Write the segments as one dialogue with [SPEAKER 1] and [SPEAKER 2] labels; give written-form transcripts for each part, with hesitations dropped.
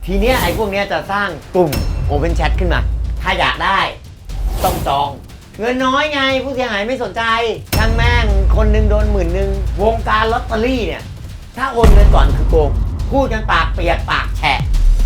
[SPEAKER 1] ทีเนี้ยไอ้พวกเนี้ยจะสร้างกลุ่ม Open Chat ขึ้นมา ถ้าอยากได้ต้องจอง เงินน้อยไงผู้เสียหายไม่สนใจช่างแม่งคนหนึ่งโดน10,000วงการลอตเตอรี่เนี่ยถ้าโอนเงินก่อนคือโกงพูดกันปากเปียกปากแฉะ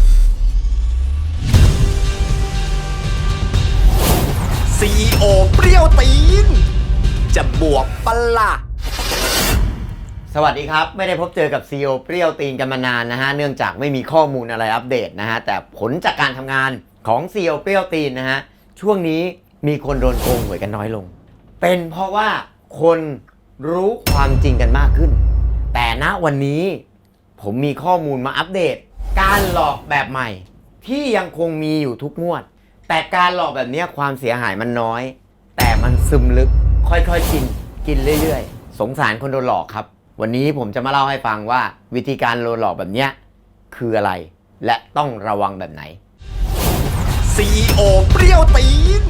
[SPEAKER 2] CEO เปรี้ยวตีนจะบวกปะล่ะ
[SPEAKER 1] สวัสดีครับไม่ได้พบเจอกับ CEO เปรี้ยวตีนกันมานานนะฮะเนื่องจากไม่มีข้อมูลอะไรอัปเดตนะฮะแต่ผลจากการทำงานของ CEO เปรี้ยวตีนนะฮะช่วงนี้มีคนโดนโกงหวยกันน้อยลงเป็นเพราะว่าคนรู้ความจริงกันมากขึ้นแต่ณวันนี้ผมมีข้อมูลมาอัปเดตการหลอกแบบใหม่ที่ยังคงมีอยู่ทุกงวดแต่การหลอกแบบนี้ความเสียหายมันน้อยแต่มันซึมลึกค่อยๆกินเรื่อยๆสงสารคนโดนหลอกครับวันนี้ผมจะมาเล่าให้ฟังว่าวิธีการโดนหลอกแบบนี้คืออะไรและต้องระวังแบบไหน
[SPEAKER 2] CEO เปรี้ยวตีน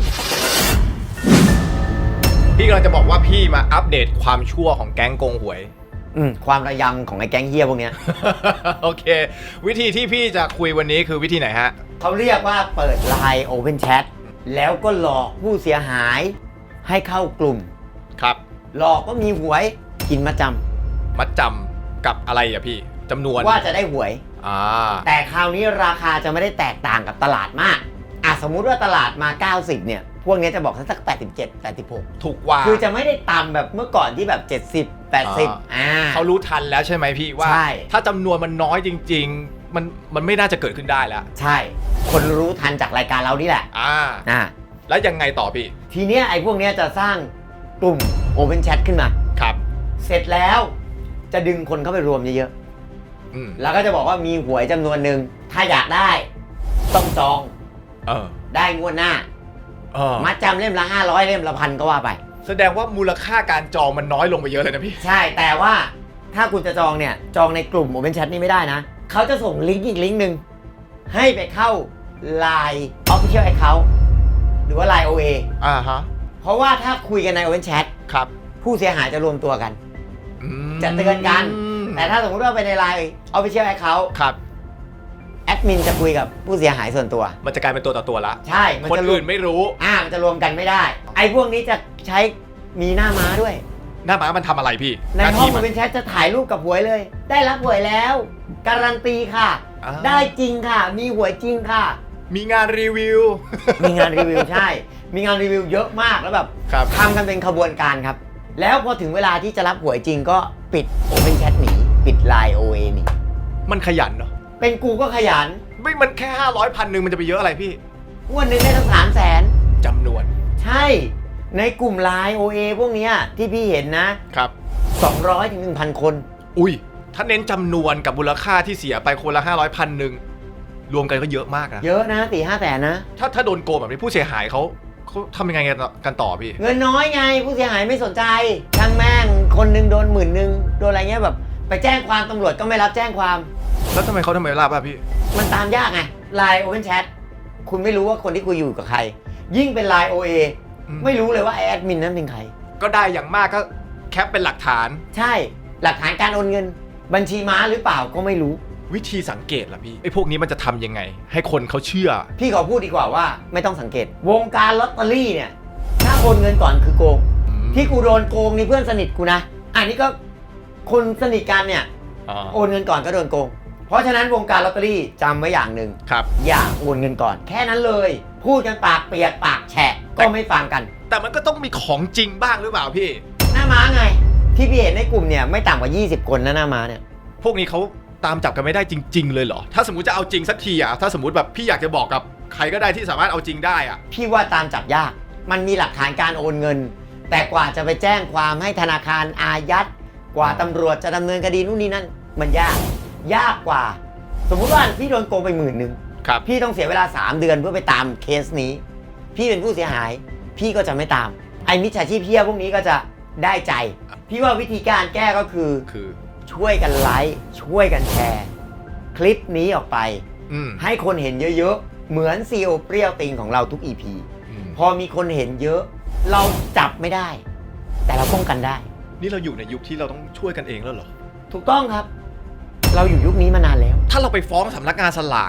[SPEAKER 2] พี่กำลังจะบอกว่าพี่มาอัปเดตความชั่วของแก๊งโกงหวย
[SPEAKER 1] ความระยำของไอ้แก๊งเฮียพวกเนี้ย
[SPEAKER 2] โอเควิธีที่พี่จะคุยวันนี้คือวิธีไหนฮะ
[SPEAKER 1] เขาเรียกว่าเปิด Line Open Chat แล้วก็หลอกผู้เสียหายให้เข้ากลุ่ม
[SPEAKER 2] ครับ
[SPEAKER 1] หลอกก็มีหวยกินมัดจ
[SPEAKER 2] ำกับอะไรอ่ะพี่จำนวน
[SPEAKER 1] ว่าจะได้หวย
[SPEAKER 2] แต่
[SPEAKER 1] คราวนี้ราคาจะไม่ได้แตกต่างกับตลาดมากสมมุติว่าตลาดมา90เนี่ยพวกนี้จะบอกสัก87 86
[SPEAKER 2] ถูกว่า
[SPEAKER 1] คือจะไม่ได้ต่ำแบบเมื่อก่อนที่แบบ70 80
[SPEAKER 2] เขารู้ทันแล้วใช่ไหมพี่ว่าถ้าจำนวนมันน้อยจริงๆมันไม่น่าจะเกิดขึ้นได้แล้ว
[SPEAKER 1] ใช่คนรู้ทันจากรายการเรานี่แหละ
[SPEAKER 2] แล้วยังไงต่อพี่
[SPEAKER 1] ทีเนี้ยไอ้พวกนี้จะสร้างกลุ่ม Open Chat ขึ้นมา
[SPEAKER 2] ครับ
[SPEAKER 1] เสร็จแล้วจะดึงคนเข้าไปรวมเยอะๆแล้วก็จะบอกว่ามีหวยจำนวนหนึ่งถ้าอยากได้ต้องจองได้งวดหน้ามัดจำเล่มละ500เล่มละ1,000ก็ว่าไป
[SPEAKER 2] แสดงว่ามูลค่าการจองมันน้อยลงไปเยอะเลยนะพี่
[SPEAKER 1] ใช่แต่ว่าถ้าคุณจะจองเนี่ยจองในกลุ่ม Open Chat นี่ไม่ได้นะเขาจะส่งลิงก์อีกลิงก์หนึ่งให้ไปเข้า Line Official Account หรือว่า Line OA เพราะว่าถ้าคุยกันใน Open Chat
[SPEAKER 2] ครับ
[SPEAKER 1] ผู้เสียหายจะรวมตัวกันจะเตือนกันแต่ถ้าสมมติว่าไปใน Line Official Account
[SPEAKER 2] ครับ
[SPEAKER 1] แอดมินจะคุยกับผู้เสียหายส่วนตัว
[SPEAKER 2] มันจะกลายเป็นตัวต่อตัวละ
[SPEAKER 1] ใช่
[SPEAKER 2] คนอื่นไม่รู้
[SPEAKER 1] มันจะรวมกันไม่ได้ไอ้พวกนี้จะใช้มีหน้าม้าด้วย
[SPEAKER 2] หน้าม้ามันทำอะไรพี่
[SPEAKER 1] ในห้องมันเป็นแชทจะถ่ายรูปกับหวยเลยได้รับหวยแล้วการันตีค่ะได้จริงค่ะมีหวยจริงค่ะ
[SPEAKER 2] มีงานรีวิว
[SPEAKER 1] ใช่มีงานรีวิวเยอะมากแล้วแบบทำกันเป็นขบวนการครับแล้วพอถึงเวลาที่จะรับหวยจริงก็ปิด Open Chat หนีปิด Line OA หนี
[SPEAKER 2] มันขยันเนาะ
[SPEAKER 1] เป็นกูก็ขยัน
[SPEAKER 2] ไม่มันแค่500 1,000มันจะไปเยอะอะไรพี่
[SPEAKER 1] งวดนึงได้ตั้ง300,000
[SPEAKER 2] จำนวน
[SPEAKER 1] ใช่ในกลุ่ม Line OA พวกนี้ที่พี่เห็นนะครับ200 ถึง 1,000 คน
[SPEAKER 2] อุ้ยถ้าเน้นจำนวนกับมูลค่าที่เสียไปคนละ500 1,000รวมกันก็เยอะมากนะ
[SPEAKER 1] เยอะนะ4-5 แสนนะ
[SPEAKER 2] ถ้าโดนโกงแบบนี้ผู้เสียหายเขาทำยังไงกันต่อพี่
[SPEAKER 1] เงินน้อยไงผู้เสียหายไม่สนใจช่างแม่งคนหนึ่งโดน10,000โดนอะไรเงี้ยแบบไปแจ้งความตำรวจก็ไม่รับแจ้งความ
[SPEAKER 2] แล้วทำไมรับอ่ะพี่
[SPEAKER 1] มันตามยากไง Line Open Chat คุณไม่รู้ว่าคนที่คุยอยู่กับใครยิ่งเป็น Line OA ไม่รู้เลยว่าไอแอดมินนั้นเป็นใคร
[SPEAKER 2] ก็ได้อย่างมากก็แคปเป็นหลักฐาน
[SPEAKER 1] ใช่หลักฐานการโอนเงินบัญชีม้าหรือเปล่าก็ไม่รู้
[SPEAKER 2] วิธีสังเกตล่ะพี่ไอ้พวกนี้มันจะทำยังไงให้คนเขาเชื่อ
[SPEAKER 1] พี่ขอพูดดีกว่าว่าไม่ต้องสังเกตวงการลอตเตอรี่เนี่ยถ้าโอนเงินก่อนคือโกงที่กูโดนโกงนี่เพื่อนสนิทกูนะอันนี้ก็คนสนิทกันเนี่ยโอนเงินก่อนก็โดนโกงเพราะฉะนั้นวงการลอตเตอรี่จำไว้อย่างหนึ่งอย่าโอนเงินก่อนแค่นั้นเลยพูดกันปากเปียกปากแฉะก็ไม่ฟังกัน
[SPEAKER 2] แต่มันก็ต้องมีของจริงบ้างหรือเปล่าพี่
[SPEAKER 1] หน้าม้าไงที่พี่เห็นในกลุ่มเนี่ยไม่ต่ำกว่า20 คนนะหน้าม้าเนี่ย
[SPEAKER 2] พวกนี้เขาตามจับกันไม่ได้จริงๆเลยเหรอถ้าสมมติจะเอาจริงสักทีถ้าสมมติแบบพี่อยากจะบอกกับใครก็ได้ที่สามารถเอาจริงได้
[SPEAKER 1] พี่ว่าตามจับยากมันมีหลักฐานการโอนเงินแต่กว่าจะไปแจ้งความให้ธนาคารอายัดกว่าตำรวจจะดำเนินคดีนู่นนี่นั่นมันยากกว่าสมมุติว่าพี่โดนโกงไป10,000พี่ต้องเสียเวลา3 เดือนเพื่อไปตามเคสนี้พี่เป็นผู้เสียหายพี่ก็จะไม่ตามไอ้มิจฉาชีพเพี้ยพวกนี้ก็จะได้ใจพี่ว่าวิธีการแก้ก็คือช่วยกันไลค์ช่วยกันแชร์คลิปนี้ออกไปให้คนเห็นเยอะๆเหมือน CEO เปรี้ยวติงของเราทุก EP พอมีคนเห็นเยอะเราจับไม่ได้แต่เราป้องกันได้
[SPEAKER 2] นี่เราอยู่ในยุคที่เราต้องช่วยกันเองแล้วเหรอ
[SPEAKER 1] ถูกต้องครับเราอยู่ยุคนี้มานานแล้ว
[SPEAKER 2] ถ้าเราไปฟ้องสำนักงานสลากล่ะ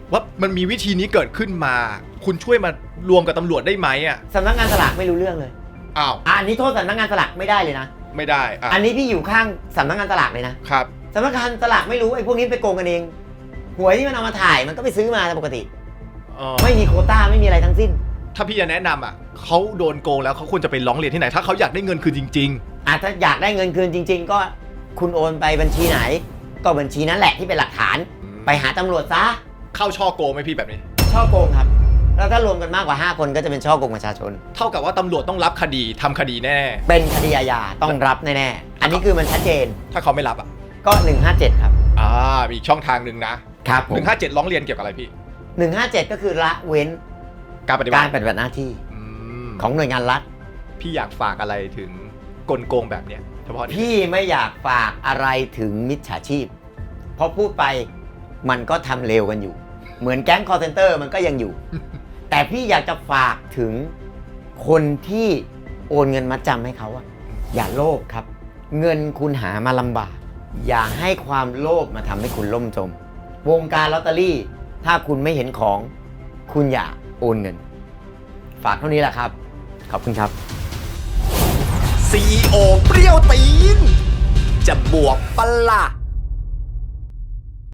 [SPEAKER 2] ว่ามันมีวิธีนี้เกิดขึ้นมา คุณช่วยมารวมกับตำรวจได้ไหมอ่ะ
[SPEAKER 1] สำนักงานสลากไม่รู้เรื่องเลย
[SPEAKER 2] อ้าว
[SPEAKER 1] อันนี้โทษสำนักงานสลากไม่ได้เลยนะ
[SPEAKER 2] ไม่ได้อ่ะ
[SPEAKER 1] อันนี้พี่อยู่ข้างสำนักงานสลากเลยนะครับ สำนักงานสลากไม่รู้ไอ้พวกนี้ไปโกงกันเองหวยที่มันเอามาถ่ายมันก็ไปซื้อมาตามปกติ ไม่มีโควต้าไม่มีอะไรทั้งสิ้น
[SPEAKER 2] ถ้าพี่จะแนะนำอ่ะเขาโดนโกงแล้วเขาควรจะไปร้องเรียนที่ไหน ถ้าเขาอยากได้เงินคืนจริง
[SPEAKER 1] ถ้าอยากได้เงินคืนจริง ๆ ก็คุณโอนไปบัญชีไหน ก็บัญชีนั้นแหละที่เป็นหลักฐาน ไปหาตำรวจซะ
[SPEAKER 2] ๆ เข้าช่อโกงไหมพี่แบบนี้
[SPEAKER 1] ช่อโกงครับ แล้วถ้ารวมกันมากกว่า 5 คนก็จะเป็นช่อโกงประชาชน
[SPEAKER 2] เท่ากับว่าตำรวจต้องรับคดีทำคดีแน่
[SPEAKER 1] เป็นคดีอาญาต้องรับแน่ๆ อันนี้คือมันชัดเจน
[SPEAKER 2] ถ้าเขาไม่รับอ่ะ
[SPEAKER 1] ก็ 157 ครับ
[SPEAKER 2] มีอีกช่องทางหนึ่งนะครับ
[SPEAKER 1] ผม
[SPEAKER 2] 157ร้องเรียนเกี่ยวกับอะไรพี่
[SPEAKER 1] 157 ก็คือละเว้น
[SPEAKER 2] การปฏิบั
[SPEAKER 1] การ
[SPEAKER 2] ติ
[SPEAKER 1] ปฏิบัติหน้าที่
[SPEAKER 2] อืม
[SPEAKER 1] ของหน่วยงานรัฐ
[SPEAKER 2] พี่อยากฝากอะไรถึงกลโกงแบบเนี้ยเฉพาะนี่
[SPEAKER 1] พี่ไม่อยากฝากอะไรถึงมิจฉาชีพ เพราะพูดไปมันก็ทำเร็วกันอยู่ เหมือนแก๊งคอร์เซนเตอร์มันก็ยังอยู่ แต่พี่อยากจะฝากถึงคนที่โอนเงินมาจำให้เขาอะอย่าโลภครับ เงินคุณหามาลำบาก อย่าให้ความโลภมาทำให้คุณล่มจม วงการลอตเตอรี่ ถ้าคุณไม่เห็นของ คุณอย่าโอนเงิน ฝากเท่านี้แหละครับ ขอบคุณครับ
[SPEAKER 3] CEO เปรี้ยวตีน จะบวกปะล่ะ